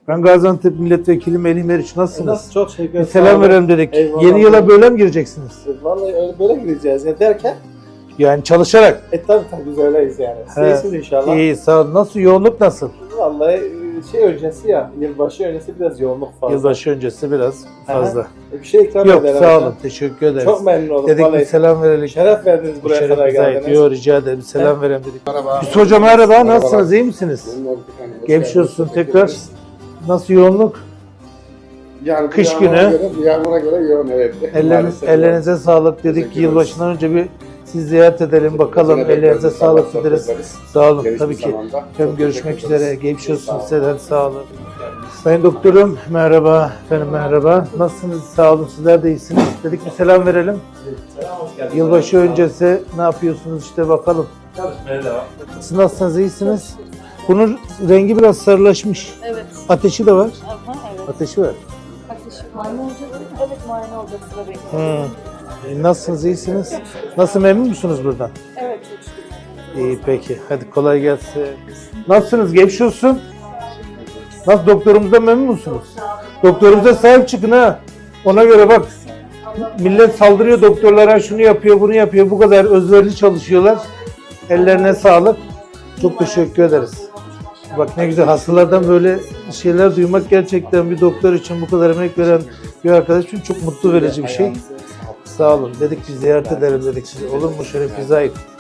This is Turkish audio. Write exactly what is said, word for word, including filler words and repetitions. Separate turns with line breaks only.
Ben Gaziantep Milletvekili Melih Meriç. Nasılsınız?
Nasıl? Çok teşekkür
Bir
ederim.
selam verelim dedik.
Eyvallah.
Yeni yıla böyle mi gireceksiniz?
Vallahi öyle böyle gireceğiz ya derken
Yani çalışarak.
e tabi tabi biz öyleyiz yani. Siz
He.
iyisiniz inşallah.
İyi, sağ olun. Nasıl? Yoğunluk nasıl?
Vallahi şey öncesi ya, yılbaşı öncesi biraz yoğunluk fazla.
Yılbaşı öncesi biraz fazla.
E, bir şey ikram
Yok,
ederim.
sağ olun. Teşekkür ederiz.
Çok memnun oldum.
Dedik bir
Vallahi
selam verelim.
şeref verdiniz buraya
Şeref
kadar
bize ait.
geldiniz.
Yok, rica ederim. Selam verelim dedik.
Merhaba.
Hüsnü Hocam merhaba.
Merhaba.
Nasılsınız? İyi misiniz? Geçmiş olsun tekrar. Nasıl yoğunluk?
Yani
Kış
bu yağmura
günü.
Göre, bu yağmura göre yoğun evet.
Elleriniz,
Maalesef
ellerinize sağlık dedik.
Teşekkür
Yılbaşından önce bir siz ziyaret edelim bakalım.
Yine
Ellerinize
bekleriz,
sağlık
inşallah
dileriz.
sohbet ederiz.
Sağ olun
Geniş
tabii
bir
ki.
zamanda.
Efendim
Çok
görüşmek
teşekkür ederiz.
üzere. Geçmiş olsun
Sağ olun.
size. Sağ olun. Sayın doktorum merhaba. Efendim merhaba. Nasılsınız? Sağ olun. Sizler de iyisiniz. Dedik bir selam verelim.
Selam, hoş geldiniz.
Yılbaşı öncesi ne yapıyorsunuz işte bakalım.
Çalışmaya devam.
Siz nasılsınız? İyisiniz? Bunun rengi biraz sarılaşmış.
Evet.
Ateşi de var.
Aha, evet.
Ateşi var.
Ateşi muayene olacak değil mi? Evet, muayene olacak, sıra bekliyor.
Hmm. E, Nasılsınız? İyisiniz? Nasıl, memnun musunuz buradan?
Evet, çok şükür.
İyi peki. Hadi kolay gelsin. Nasılsınız? Geçmiş olsun. Nasıl, doktorumuzdan memnun musunuz? Doktorumuza sahip çıkın ha. Ona göre bak. Millet saldırıyor doktorlara, şunu yapıyor, bunu yapıyor. Bu kadar özverili çalışıyorlar. Ellerine sağlık. Çok teşekkür ederiz. Bak ne güzel, hastalardan böyle şeyler duymak gerçekten bir doktor için, bu kadar emek veren bir arkadaş için çok mutlu verici bir şey. Sağ olun. Dedik biz ziyaret edelim dedik size. Olur mu? Şeref bize ait.